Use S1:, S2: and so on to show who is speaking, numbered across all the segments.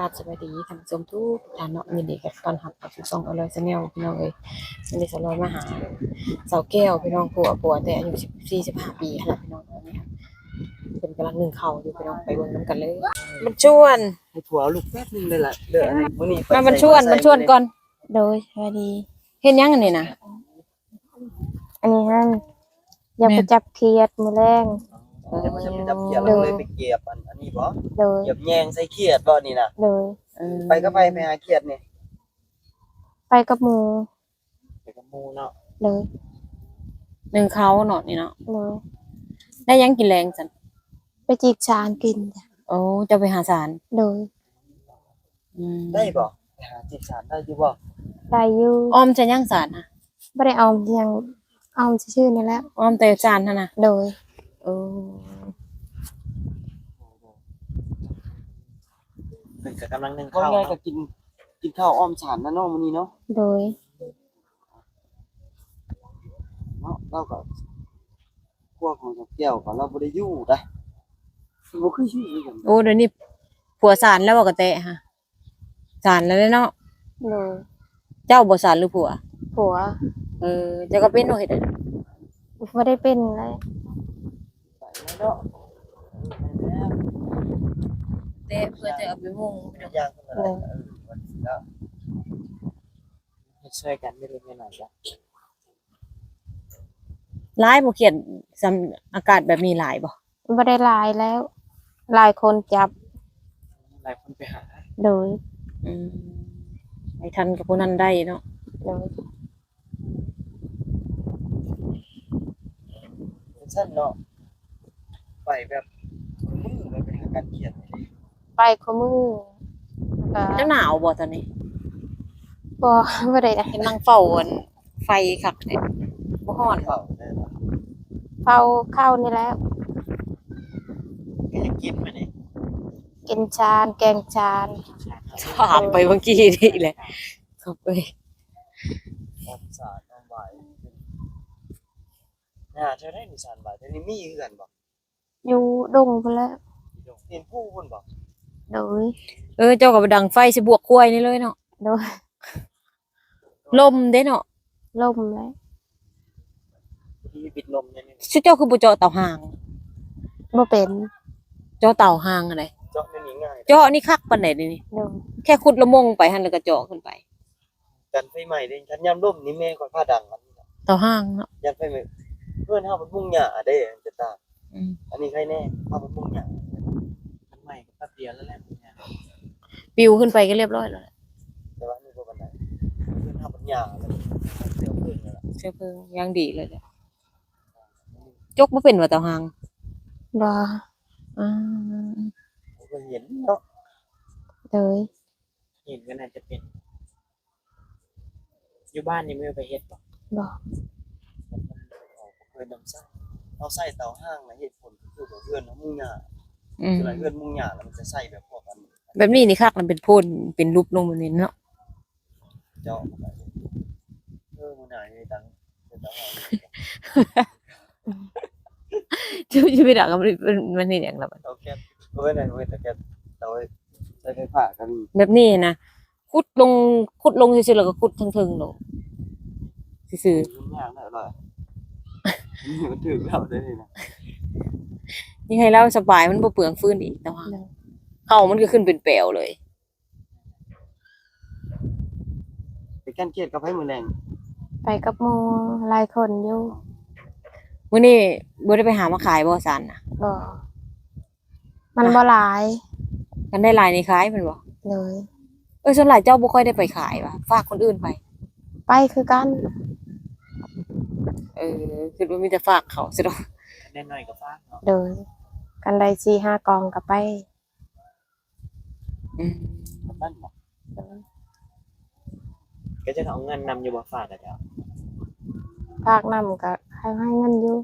S1: ราบสวัสดีท่านผู้ชมทุกท่านเนาะยินดีกับตอนรับเข้าสู่ช่องอร่อยชาแนลพี่น้องเอ้ยวันนี้สลอยมาหาสาวแก้วพี่น้องผัวแต่อายุ14-15ปีหั่นล่ะพี่น้องอันนี้ครับเพิ่นกำลังนึ่งข้าวอยู่พี่น้องไปเบิ่งนำกันเลยมันชวน
S2: ให้ผัวเอาลูกแป๊บนึงเลยล่ะเด้อมื้อนี้
S1: มามันชวนก่อน
S3: โดยสวัสดี
S1: เฮ็ดหยังอันนี้น่ะ
S3: อันนี้ฮะอยากไปจับเขียดมื้อแรง
S2: เดี๋ยวมันจะไปจับเขียดแล้วเลยไปเก็บอันนี้บ่
S3: โดย
S2: เก็บแยงใส่เขียดบ่นี่น่ะ
S3: โดย
S2: ไปก็ไปหาเขียดนี่
S3: ไปกับหมู่
S2: ไปกับหมู่เนาะ
S3: โดย
S1: นึ่งข้าวเนาะนี่เนาะ
S3: โดย
S1: ได้หยังกินแรงซั่น
S3: ไปจีบชานกินจ้ะ
S1: โอ้จะไปหาสาร
S3: โดย
S2: ได้บ่ไปหาจิตสารได้อยู่บ่
S3: ได้อยู่
S1: อ้อมจะยังสารน่ะ
S3: บ่ได้เอายังเอาชื่อๆนี่แหละ
S1: อ้อมแต่จานหั่นน่ะ
S3: โดย
S1: โอ้
S2: เพิ่นก็กำลังนึ่งข้าวก็กินข้าวอ้อมสารนะเนาะมื้อนี้เนาะ
S3: โดย
S2: เนาะเราก็พวกของแก้วก็เราบ่ได้อยู่นะบ่คืออยู่ด้วยกัน
S1: โอ้เดี๋ยวนี้ผัวสารแล้วบ่กระแตะฮะสารแล้วเนาะ
S3: โดย
S1: เจ้าบ่สารหรือผัว
S3: ผัว
S1: เจ้าก็เป็นโอเฮ็ด
S3: บ่ได้เป็นเลย
S2: ไปแล้วเนาะ
S1: แต่เพื่อจะเอาไปมุ่ง
S2: ย่างขึ้นมาได้วันนี้แล้วเฮ็ดช่วยกันไม่เล็กไม่น้อยจ้ะ
S1: หลายบ่เขียนสำอากาศแบบนี้หลายบ่
S3: บ่ได้หลายแล้วหลายคนจับ
S2: หลายคนไปหา
S3: โดย
S1: อืมให้ทันกับผู้นั้นได้เนาะ
S3: โดย
S2: สั้นเนาะไปแบบมือเลยไปหาการเขียน
S3: ไปคู่มือก็
S1: จะหนาวบ่ตอนนี้
S3: บ่ได้นะ
S1: เห็นนั่งเฝ้าอันไฟคักเนี่ยบ่ฮ้อน
S2: เข้าได้เนาะ
S3: เฝ้าเข้านี่แล้ว
S2: ก็จะกินมานี่
S3: กินชานแกงชาน
S1: ถามไปเมื่อกี้นี่แหละครับเอ้ย
S2: ความสะอาดความหวานน่าจะได้นิสานบ่ายแต่นี่มีคือกันบ่
S3: อยู่ดงพุ่นแล้ว
S2: เห็นผู้คนบ่
S3: โดย
S1: เจ้าก็ไปดังไฟสิบวกกล้วยนี่เลยเนาะ
S3: โดย
S1: ลมเด้เนาะ
S3: ล่มแล้ว
S2: ที่ปิดลมเนี่ยนี่
S1: ชื่อเจ้าคือบ่เจาะเต่าหาง
S3: บ่เป็น
S1: เจาะเต่าหางอะไร
S2: เจาะนี่ง่าย
S1: เจาะนี่คักปานใดนี่
S3: โดย
S1: แค่ขุดละมงไปหั่นแล้วก็เจาะขึ้นไป
S2: กันไฟใหม่เด้ฉันยามล่มนี่แม่ค่อยพาดังมัน
S1: เต่าหางเนาะ
S2: ยามไฟใหม่เพื่อนเฮามันมุ่งหญ้าเด้จะตา
S1: อืม
S2: อันนี้ใครแน่เฮามันมุ่งหญ้ามันใหม่ก็แป๊บเดียวแล้วแหละเนี่ย
S1: ปิวขึ้นไปก็เรียบร้อยแล้วแหละ
S2: แต่ว่านี่บ่ปานใดเพื่อนเฮามันหญ้าแล้วเดี๋ยวเพิ่นนั่นล่ะ
S1: เชื้อเพลิงยังดีเลยแหละจกบ่เป็นว่าเต่าหาง
S3: บ่
S1: อ่า
S2: ผมก็เห็นเนาะ
S3: โดย
S2: เห็นก็น่าจะเป็นอยู่บ้านนี่ไม่ไปเฮ็ดบ่
S3: บ่
S2: เคยนำไส้เอาไส้เตาห้างนะเหตุผลคือว่าเพื่อนมุ่งหญ้า
S1: อืม
S2: คืออะไรเพื่อนมุ่งหญ้าแล้วมันจะไส้แบบพวกกัน
S1: แบบนี้นี่คักมันเป็นโพ่นเป็นรูปลงแบบนี้เนาะ
S2: เจาะเข้าไปมันหายในตังเป็นตังหา
S1: จะไปด่ากันมันนี่อย่างละมัน
S2: เอาแค่เอาไว้ไหนไว้แต่แค่เอาไว้ใช้ไฟฟ้ากัน
S1: แบบนี้นะขุดลงซื่อๆแล้วก็ขุดทึงๆลงซื่อ
S2: ยุ่งยากนะอร่อยมันถึงแล้วได้นี่นะ
S1: ๆนี่ให้เราสบายมันบ่เปลืองฟืนอีกแต่ว่าเข้ามันก็ขึ้นเป็นแปลวเลย
S2: ไปกันเกลียดกับไผมือแรง
S3: ไปกับหมู่หลายคนอยู่
S1: มื้อนี้บ่ได้ไปหามาขายบ่ซันน่ะ
S3: บ่มันบ่หลาย
S1: กันได้หลายในขายแม่นบ่
S3: เลย
S1: ส่วนหลายเจ้าบ่ค่อยได้ไปขายว่ะฝากคนอื่นไป
S3: ไปคือกัน
S1: คิดว่ามีแต่ฝากเขาซะดอก
S2: แน่หน่อยกับฟ้าเนาะ
S3: โดยกันได้4-5กองก็ไป
S1: อืม
S2: กับบ้านเนาะก็จะเอาเงินนำอยู่บ่ฝากกันจ้ะ
S3: ภาคนำก็ให้เงินอยู่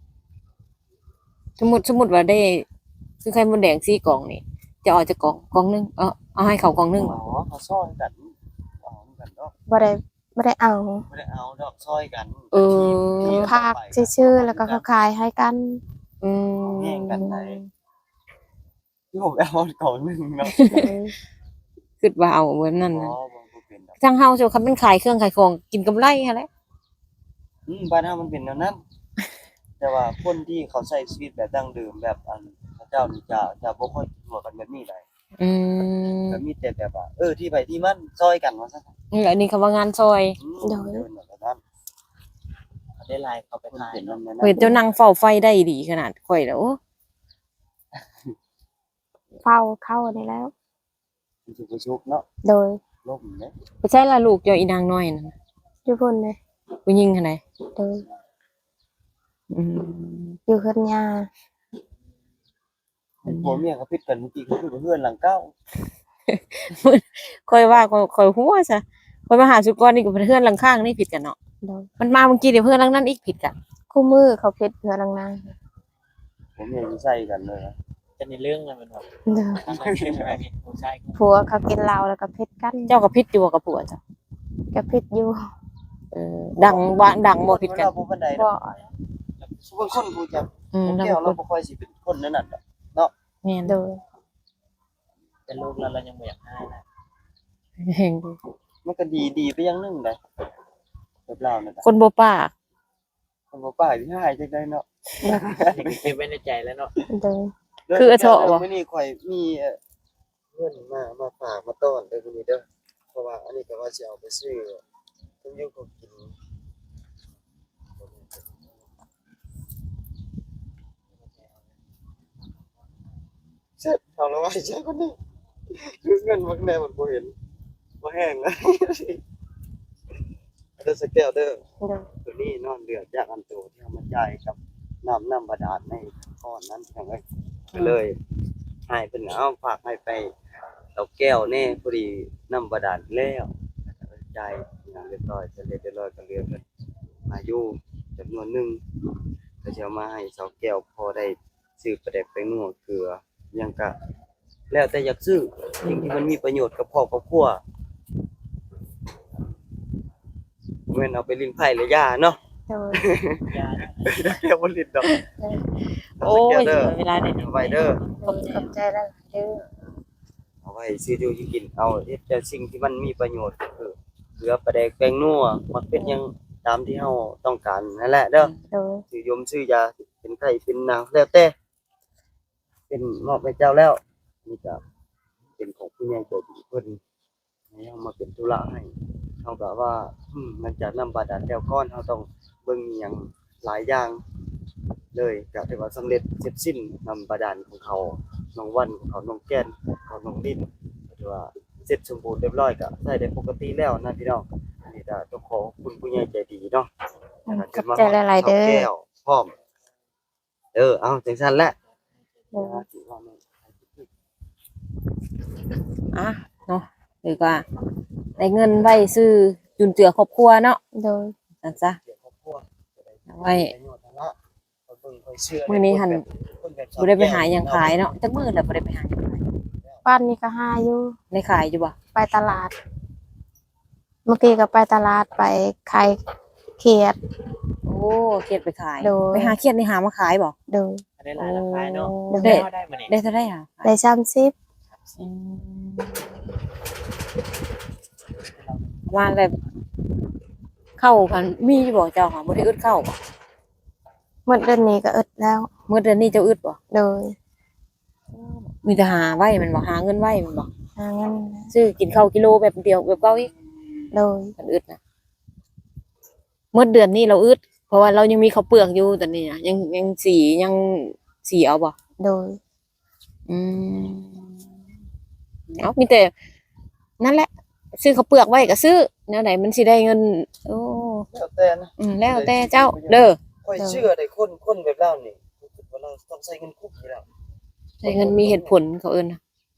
S1: สมมุติว่าได้คือไข่มดแดง4กล่องนี่จะเอาจากกล่องนึงเอาให้เขากล่องนึง
S2: อ๋อเขาซ่อนกันเอากันเนาะ
S3: บ่ได้เอา
S2: ไม่ได้เอาดอกซอยกัน
S3: ภาคชื่อๆแล้วก็เขาขายให้กัน
S1: อืม
S2: แย่งกันไหนที่ผมเอาก่อนหนึ่งเนาะ
S3: เลย
S1: คิดว่าเอาแบบนั้น
S2: อ๋อ
S1: นะ
S2: บ่เป็นดอก
S1: ทางเฮาเจ้าคันมันขายเครื่องขายของกินกำไรหั่นแหละ
S2: บ้านเฮามันเป็นแนวนั้น แต่ว่าคนที่เขาใช้ชีวิตแบบดั้งเดิมแบบอันพระเจ้านี่จะบ่ค่อยทั่วกันแบบนี้ได้
S1: อืม
S2: ก็มีแต่แบบว่าที่ไปที่มันซอยกันว่าซั่น
S1: นี่แหละนี่คำว่างานซอย
S2: เดินแบบนั้น
S4: ได้ไลน์เขาไป
S2: มัน
S4: ถ่าย
S2: เป็น
S4: เนาะ
S2: นั้น
S1: เฮ้ยเจ้านั่งเฝ้าไฟได้ดีขนาดข่อยแล้วโอ้
S3: เฝ้าเข้าได้แล้ว
S2: มันสิบ่ชุกเนาะ
S3: โดย
S2: ล่มเด้
S1: ไปใช่ละลูกเจ้าอีนางน้อยนั่นน่ะ
S3: อยู่พุ่นเลย
S1: ผู้หญิงหั่นใด
S3: โดย
S1: อืม
S3: อยู่เฮือนยา
S2: ผัวเมียเขาผิดกันเมื่อกี้เขาอยู่กับเพื่อนหลังเก้า
S1: ข่อยว่าข่อยหัวซะข่อยมาหาสุกรนี่กับเพื่อนหลังข้างนี่ผิดกันเนาะ
S3: โดย
S1: มันมาเมื่อกี้เดี๋ยวเพื่อนหลังนั้นอีกผิดกัน
S3: คู่มือเขาเพชรเฮือนนางนาง
S2: ผัวเมียอยู่ใส่กันเลยนะ
S4: จะในเรื่องอะไรมันแบบ
S3: โดย
S4: ทางนั้นใช่ไหมผู้ชาย
S3: ผัวเขากินเหล้าแล้วก็เพชรกัน
S1: เจ้ากับผิดอยู่บ่กับผัวเจ้า
S3: ก็เพชรอยู่
S1: ดังบ่ผิดกัน
S2: เวลาบ่ปานใด
S3: บ่
S2: เนาะบางคนผู้จัก
S1: ดัง
S2: แก้วเราบ่ค่อยสิเป็นคนนั้นน่ะเนาะ
S1: แม่น
S3: โดย
S4: เป็นลูกแล้วเรายังไม่อยากให้นะ
S1: เฮง
S2: มันก็ดีไปอย่างหนึงได้แบบเรานั่นน่ะ
S1: คนบ่ปาก
S2: คนบ่ป้ายที่ให้จังได๋เนาะ
S4: เก็บไว้ในใจแล้วเนาะ
S3: โดย
S1: คือเถาะบ่
S2: มื้อนี้ข่อยมีเพื่อนมาฝากมาต้อนเด้อมื้อนี้เด้อเพราะว่าอันนี้ก็ว่าสิเอาไปซื้อเพิ่นอยู่ก็กินเสร็จเอาแล้วไว้ใช้คนนี้คือเงินมันแน่มันบ่เห็นบ่แห้งนะเด้อสกแก้วเด้อ
S3: โดย
S2: ตัวนี้นอนเดือดจากอันโตที่เอามาจ่ายกับน้ำบาดาลในก้อนนั้นทั้งนั้นก็เลยให้เป็นเอาฝากให้ไปเอาแก้วแน่พอดีน้ำบาดาลแล้วจ่ายอย่างเรียบร้อยจะเรียบร้อยก็เหลือเงินมาอยู่จำนวนหนึงก็จะเอามาให้สาวแก้วพอได้ซื้อประเด็กไปนัวเกลือหยังก็แล้วแต่อยากซื้อสิ่งที่มันมีประโยชน์กับพ่อกับครัวเว้นเอาไปลิ้นไผ่และยาเนาะ
S3: โดย
S4: ยา
S2: เดี๋ยวบ่ลิ้นดอก
S1: โอ้ยเวลาได้
S2: ไว้เด้อ
S3: ขอบใจแล้วเด้อ
S2: เอาไว้ซื้ออยู่ที่กินเอาเฮ็ดแต่สิ่งที่มันมีประโยชน์คือเกลือปลาแดกแป้งนัวมันเป็นหยังตามที่เฮาต้องการนั่นแหละเด้อ
S3: โดย
S2: ซื้อยมซื้อยาเป็นไข้เป็นหนาวแล้วแต่เป็นมอบให้เจ้าแล้วนี่ก็เป็นของผู้ใหญ่ใจดีเพิ่นให้เฮามาเป็นธุระให้เฮาก็ว่าหลังจากนำบาดาลแล้วก่อนเฮาต้องเบิ่งอิหยังหลายอย่างเลยก็ถือว่าสำเร็จเสร็จสิ้นนำบาดาลของเขาน้องวันของเขาน้องแก้นของเขาน้องลิ้นก็ถือว่าเสร็จสมบูรณ์เรียบร้อยก็ใช้ได้ปกติแล้วนะพี่น้องอันนี้ก็ต้องขอขอบคุณผู้ใหญ่ใจดีเนาะ
S3: ขอบใจหลายๆเด้อ
S2: แก้วพร้อมเอาจังซั่นแหละ
S3: โดย
S1: อ่ะเนาะหรือว่าได้เงินไว้ซื้อจุนเจือครอบครัวเนาะ
S3: โดย
S1: นั่นซะ
S2: เดี๋ยวครอบครัวจะได้
S1: ไว้
S2: ประโยชน์นั่นละคนเบิ่งคนเชื่อ
S1: มื้อนี้หั่น
S2: คนแบบ
S1: บ่ได้ไปหาหยังขายเนาะจักมื้อแล้วบ่ได้ไปหาหยังขาย
S3: บ้านนี้ก็หาอยู่
S1: ได้ขายอยู่บ่
S3: ไปตลาด เมื่อกี้ก็ไปตลาดไปขายเขียด
S1: โอ้เครียดไปขาย
S3: โดย
S1: ไปหาเครียดนี่หามาขายบ่
S3: โดย
S4: ได้หลายราคาเนาะ
S1: ได้
S4: ได้มาเนี่ย
S1: ได้เท่าไหร่อ่ะ
S3: ได้30
S1: อืมประมาณแบบเข้ากันมีอยู่บ่เจ้าค่ะบ่ได้อึดเข้าบ่
S3: หมดเดือนนี้ก็อึดแล้ว
S1: เมื่อเดือนนี้เจ้าอึดบ่
S3: โดย
S1: มีแต่หาไว้แมันบ่หาเงินไว้แมันบ่
S3: หาเงิน
S1: ซื้อกินข้าวกิโลแบบเดียวแบบเก่าอีก
S3: โดย
S1: มันอึดนะเมื่อเดือนนี้เราอึดเพราะว่าเรายังมีข้าวเปลือกอยู่ตอนนี้นะยังสีเอาบ่
S3: โดย
S1: อืมเอามีแต่นั่นแหละ ซื้อข้าวเปลือกไว้ก็ซื้อแนวไหนมันสิได้เงิน โอ้
S2: แล้วแต่นะ
S1: แล้วแต่เจ้า เด้อ
S2: ค่อยเชื่อได้คนแบบเรานี่รู้สึกว่าเราต้องใช้เงินคุ้มอยู่แล้ว
S1: ได้เงินมีเหตุผลเขาเอิ้นนะ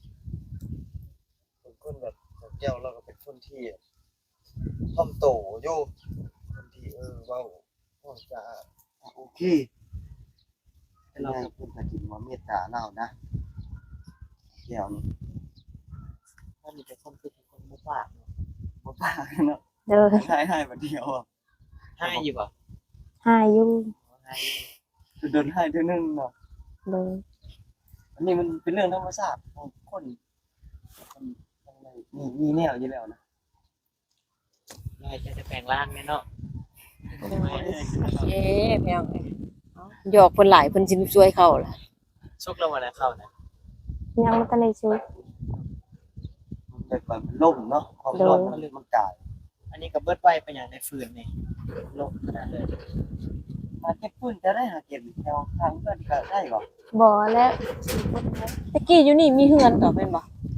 S2: คนแบบแก้วเราก็เป็นคนที่ถ่อมโตอยู่คนที่เว้าจะโอเคเราก็เพิ่นก็กินว่าเมตตาเรานะแก้วนี่
S4: ถ้ามีแต่คนคือคนมุกปาก
S2: บ่ปากเนาะ
S3: โดย
S2: ให้บัดเดียวอ่ะ
S4: ให้อยู่ป่ะ
S3: หาอยู่
S4: ให้
S2: โดนให้เทื่อนึงเนาะ
S3: โดย
S2: อันนี้มันเป็นเรื่องธรรมชาติของคนทั้งในมีแนวอยู่แล้วนะ
S4: ยายจะแปลงร่างแน่เนาะ
S1: เอ๊ะแพงเลยหยอกเพิ่นหลายเพิ่นสิช่วยเขาล่ะ
S4: ชุกแล้ววันนั้นเข้านะ
S3: ยังบ่ทันได้ซื้อ
S2: มันไปก่อนมันล่มเนาะความร้อนมันเลยมันกาย
S4: อันนี้ก็เบิดไว้เป็นอย่างในฟืนนี่ลงขนาดเลย
S2: หาเก็บปืนจะได้หาเก็บแถวทางเพื่อนก็ได้ก่อน
S3: บ่แล้ว
S1: ตะกี้อยู่นี่มีเฮือนต่อเป็นบ่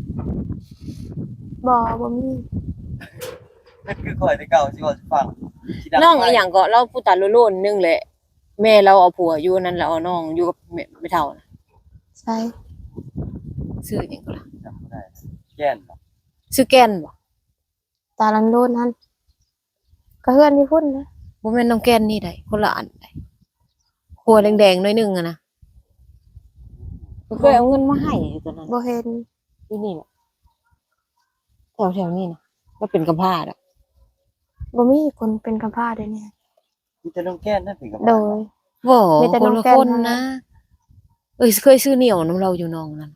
S3: บ่มี
S2: นั่นคือข่อยแต่เก่าสิว่าสิฟังสิดั
S1: น้องอีหยังก็เราผู้ตาโลนๆนึงแหละแม่เราเอาผัวอยู่นั่นแล้วเอาน้องอยู่กับแม่ไม่เท่านะ
S3: ใช่
S1: ชื่อหยังก็ล่ะ
S2: จำบ่ได้แก่นบ่
S1: ชื่อแก่นบ่
S3: ตาลันโดนนั่นก็เฮือนอยู่พุ่นนะ
S1: บ่แม่นน้องแก่นนี่ได้คนละอันได้หัวแดงๆหน่อยหนึงอะนะเคยเอาเงินมาให้อยู่ตอนนั้น
S3: บ่เห็น
S1: ที่นี่น่ะแถวๆนี้นะก็เป็นกำพร้าอ่ะ
S3: บ่มีคนเป็นกำพร้าเด้เนี่ย
S2: มีแต่น้องแก่นนั่นเป็นกับ
S3: โดย
S1: บ่
S3: มีแต่
S1: ค
S3: น้
S1: น
S3: อง
S1: ละ
S3: แก้ม
S1: คน
S3: เท่านั้
S1: นะ
S3: น
S1: เคยซื้อเหนียวน้ำเราอยู่น้องนั่น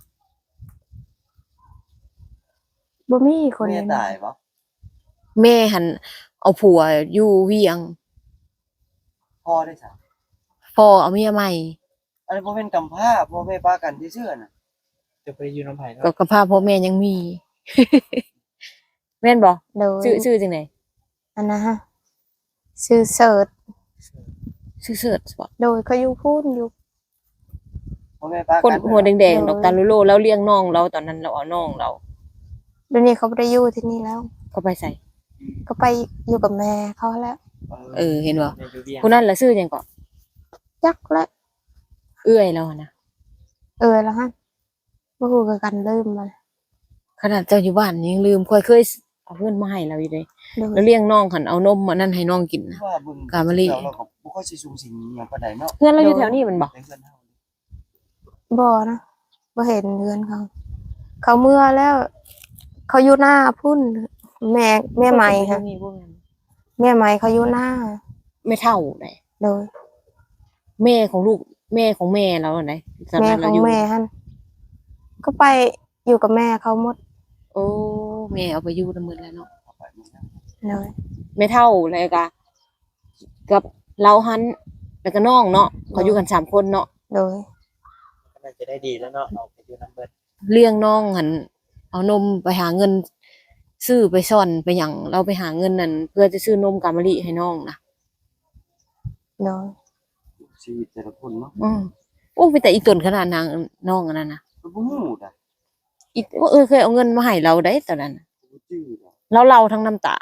S3: บ่มีคน
S2: แม่
S3: เลย
S2: ตายบ่
S1: แม่หันเอาผัวอยู่เวียง
S2: พ่อได้ซะ
S1: พ่อเอาเมียใหม่
S2: อันนี้บ่เป็นกำพร้าพ่อแม่ป้ากันซื่อๆน่ะ
S4: จะไปอยู่น้ำไผ่
S1: ก็
S4: เนาะ
S1: กำพร้าพ่อแม่ยังมี แม่นบ่
S3: โดย
S1: ชื่อจังได๋
S3: อันนะฮะชื่อเสิร์ช
S1: ชื่อเสิร์ชบ่
S3: โดยเขาอยู่พุ่นอยู่
S2: พ่อแม่ป้า
S1: คน
S2: กัน
S1: หัวแดงๆ
S3: โดย
S1: ดอกตาลุโลแล้วเลี้ยงน้องเราตอนนั้นเราเอาน้องเรา
S3: เดี๋ยวนี้เขาบ่ได้อยู่ที่นี่แล้ว
S1: ก็ไปใส่
S3: ก็ไปอยู่กับแม่เขาแล้ว
S1: เห็นบ่
S4: ในอยู่เวียง
S1: ผู้นั้นล่ะชื่อหยังก็
S3: จักแล้ว
S1: เอื้อยเราอะนะ
S3: แล้วฮะบ่ฮู้คือกันลืมมัน
S1: ขนาดเจ้าอยู่บ้านยังลืมเคยเอาเงินมาให้เราอยู่เลย
S3: โดย
S1: แล้วเลี้ยงน้องหันเอานมมานั่นให้น้องกินนะ
S2: ว่าเบิ่ง
S1: กามะลิ
S2: เราก็บ่ค่อยสิสูงสิงหยังปานใดเนาะ
S1: เพื่อนเราอยู่แถวนี้มันบ่
S2: แต่เพื่อนเฮา
S3: บ่นะบ่เห็นเรือนเขา เขาเมื่อแล้ว เขาอยู่หน้าพุ่นแม่ใหม่ค่ะแม่ใหม่เขาอยู่หน้า
S1: ไม่เท่าไหน
S3: โดย
S1: แม่ของลูกแม่ของแม่เราไหนตอน
S3: แม่
S1: นั้น
S3: ข
S1: เรา
S3: อง
S1: อยู่
S3: แม่หั่นก็ไปอยู่กับแม่เขาหมด
S1: โอ้แม่เอาไปอยู่ละมื้อแล้วเนาะ
S2: เข้าไปมันนะ
S3: โดย
S1: ไม่เท่าเลยกะกับเราหันแล้วก็น้องเนาะเขาอยู่กัน3คนเนาะ
S3: โดย
S4: ก็น่าจะได้ดีแล้วเนาะเอาไปอยู่น้ำเบิด
S1: เลี้ยงน้องหันเอานมไปหาเงิน ซื้อไปซ่อนไปหยังเราไปหาเงินนั่นเพื่อจะซื้อนมกามะลิให้น้องนะ
S3: โดย
S2: ชีวิตแต่ละคนเนาะ
S1: โอ้ไปแต่อีตนขนาดนางน้องอันนั้นนะ
S2: มันบ่ฮู้ดะ
S1: อีว่าเคยเอาเงินมาให้เราได้ตอนนั้นน่ะ
S2: บ่จื้อดะ
S1: แล้วเราทั้งน้ำตา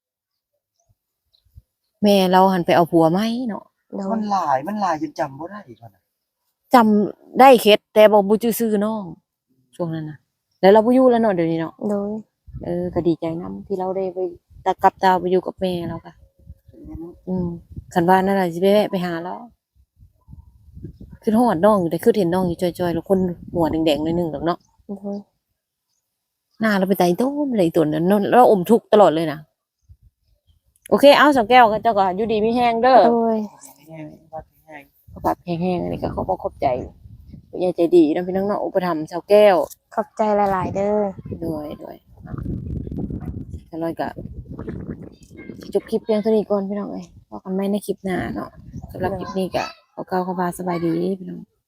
S1: แม่เราหันไปเอาผัวไหมเนาะ
S3: โด
S2: มั
S3: ย
S2: นหลายจนจำบ่ได้ก่อนน่ะ
S1: จำได้เคสแต่บอกบูจื้อซื้อน้องช่วงนั้นนะแล้วเราไปอยู่แล้วเนาะเดี๋ยวนี้เนาะ
S3: โดย
S1: ก็ดีใจนํที่เราได้ไปตะกับตาไปอยู่กับแม่เราค่ะคันว่านั่นแหละสิไปแวะไปหาแล้วคือฮอดน้องอยู่แต่คือเห็นน้องอยู่จอยๆแล้วคนหัวแดงๆหน่อยหนึงดอกเนาะ
S3: โดย
S1: หน้าเราไปไต่ต้นไปไต่ต้นนั้นเราอมทุกข์ตลอดเลยนะโอเคเอาสองแก้วก็เจ้าก็อยู่ดีมีแห้งเด้อ
S3: โดย
S4: แห้งวัดแห้ง
S1: เขาปรับแห้งๆอันนี้ก็เขาบอกขอบใจผู้ใหญ่ใจดีนะพี่น้องเนาะอุปถัมภ์ชาวแก้ว
S3: ขอบใจหลาย ๆ เด้อ
S1: ด้วยแต่ลอยกับจบคลิปเพียงเท่านี้ก่อนพี่น้องเอ้ยพบกันใหม่ในคลิปหน้าเนาะสำหรับคลิปนี้ก็ขอกล่าวคำว่าสบายดีพี่น้อง